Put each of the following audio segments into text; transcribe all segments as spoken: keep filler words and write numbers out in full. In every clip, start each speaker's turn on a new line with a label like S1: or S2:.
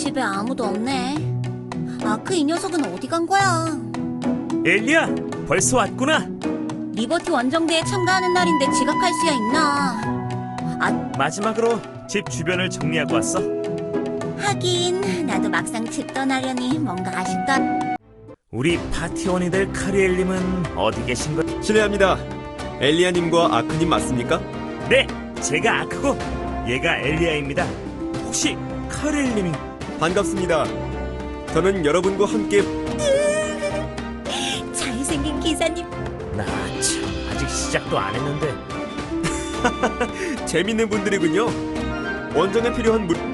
S1: 집에 아무도 없네. 아크 이 녀석은 어디 간 거야?
S2: 엘리야, 벌써 왔구나.
S1: 리버티 원정대에 참가하는 날인데 지각할 수야 있나? 아,
S2: 마지막으로 집 주변을 정리하고 왔어.
S1: 하긴 나도 막상 집 떠나려니 뭔가 아쉽다.
S2: 우리 파티원이들 카리엘님은 어디 계신 거?
S3: 실례합니다. 엘리아님과 아크님 맞습니까?
S2: 네, 제가 아크고 얘가 엘리야입니다. 혹시 카리엘님이?
S3: 반갑습니다. 저는 여러분과 함께
S1: 잘생긴 기사님.
S2: 나 참 아직 시작도 안 했는데.
S3: 재밌는 분들이군요. 원정에 필요한 물...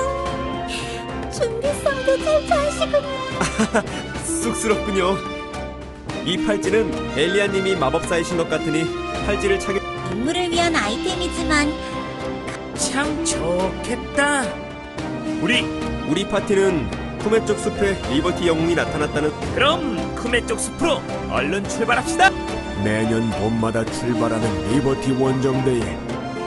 S1: 준비성도 잘 짜시군요.
S3: 쑥스럽군요. 이 팔찌는 엘리아님이 마법사이신 것 같으니 팔찌를 착용...
S1: 임무를 위한 아이템이지만
S2: 참 좋겠다. 우리
S3: 우리 파티는 쿠메 쪽 숲에 리버티 영웅이 나타났다는...
S2: 그럼 쿠메 쪽 숲으로 얼른 출발합시다.
S4: 매년 봄마다 출발하는 리버티 원정대에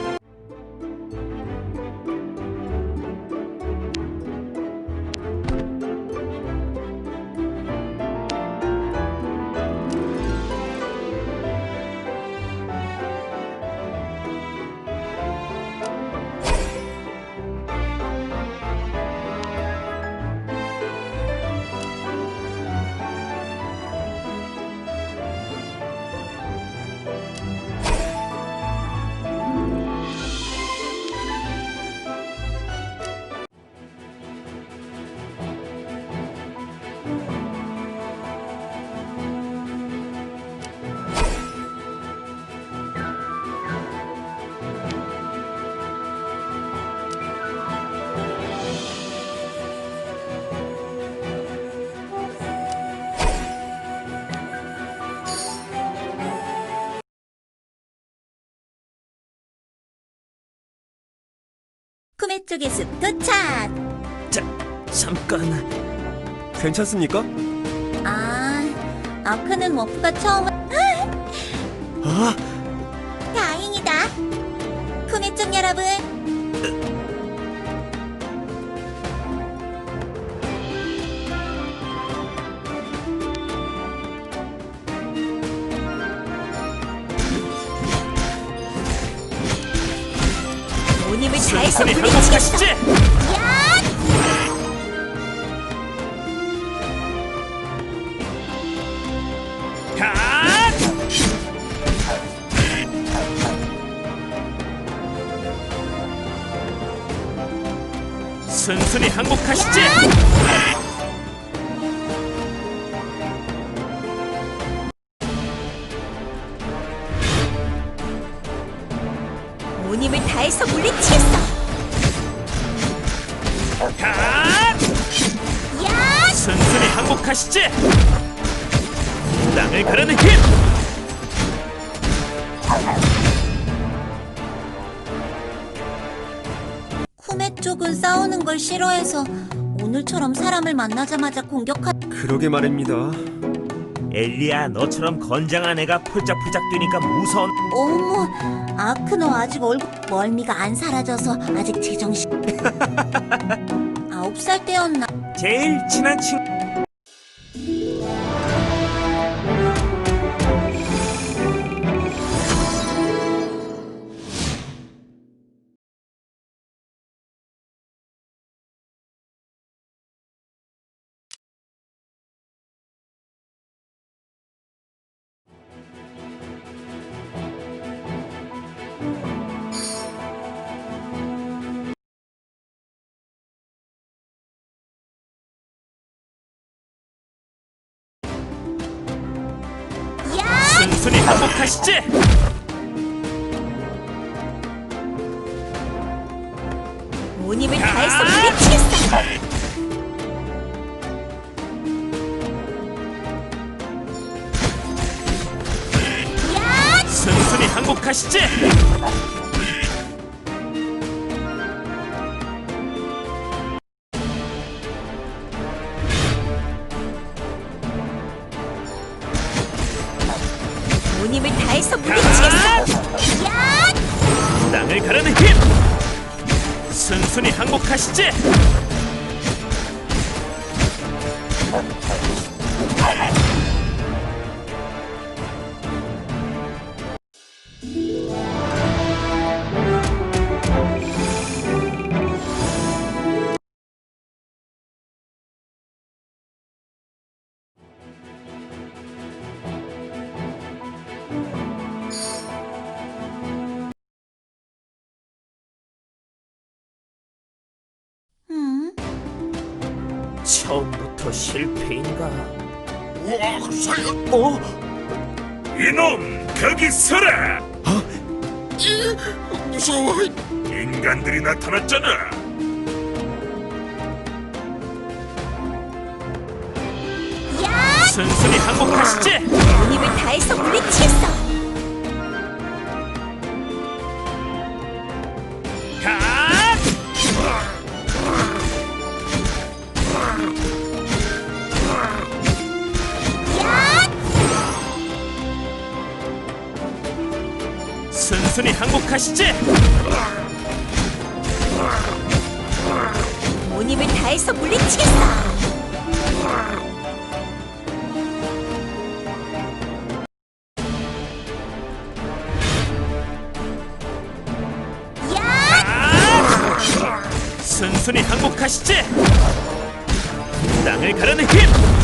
S1: 쿠메 쪽의 숲 도착.
S2: 자, 잠깐.
S3: 괜찮습니까?
S1: 아, 아크는 워프가 처음.
S3: 아!
S1: 다행이다. 쿠메 쪽 여러분. 온 힘을 다해서
S2: 순순히
S1: 물리치겠어.
S2: 항복하시지.
S1: 야!
S2: 가! 순순히 항복하시지.
S1: 온 힘을 다해서 물리치겠어.
S2: 가!
S1: 야!
S2: 순순히 항복하시지. 땅을 가르는 힘.
S1: 쿠메 쪽은 싸우는 걸 싫어해서 오늘처럼 사람을 만나자마자 공격한.
S3: 그러게 말입니다.
S2: 엘리야, 너처럼 건장한 애가 폴짝폴짝 뛰니까 무서운.
S1: 어머, 아크 너 아직 얼굴 멀미가 안 사라져서 아직 제정신. 아홉 살 때였나?
S2: 제일 친한 친구. 순순히 항복하시지.
S1: 온 힘을 다해서 물리치겠어. 야!
S2: 순순히 항복하시지.
S1: 온 힘을 다해서 물리치겠어. 야!
S2: 땅을 가르는 힘. 순순히 항복하시지. 처음부터 실패인가?
S5: 우와, 살려!
S2: 어? 이놈, 거기 서라!
S5: 무서워.
S2: 인간들이 나타났잖아!
S1: 야!
S2: 순순히 항복하시지!
S1: 온 힘을 다해서 물리치겠어.
S2: 가!
S1: 야!
S2: 순순히 항복하시지!
S1: 온 힘을 다해서 물리치겠어. 야!
S2: 순순히 항복하시지! 땅을 가르는 힘!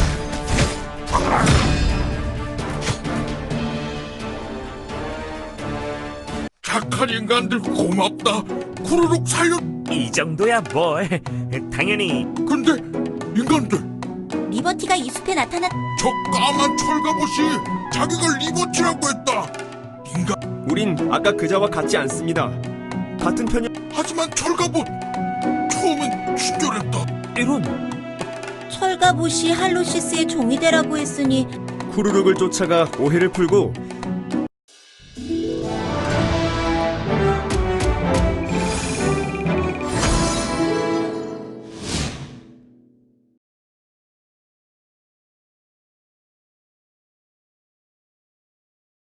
S5: 착한 인간들 고맙다. 쿠르룩 살려.
S2: 이 정도야 뭘. 당연히
S5: 근데 인간들,
S1: 리버티가 이 숲에 나타났.
S5: 저 까만 철갑옷이 자기가 리버티라고 했다. 인간,
S3: 우린 아까 그자와 같지 않습니다. 같은 편이
S5: 하지만 철갑옷 처음엔 친절했다.
S2: 이런.
S1: 철갑옷이 할로시스의 종이 되라고 했으니
S3: 쿠르룩을 쫓아가 오해를 풀고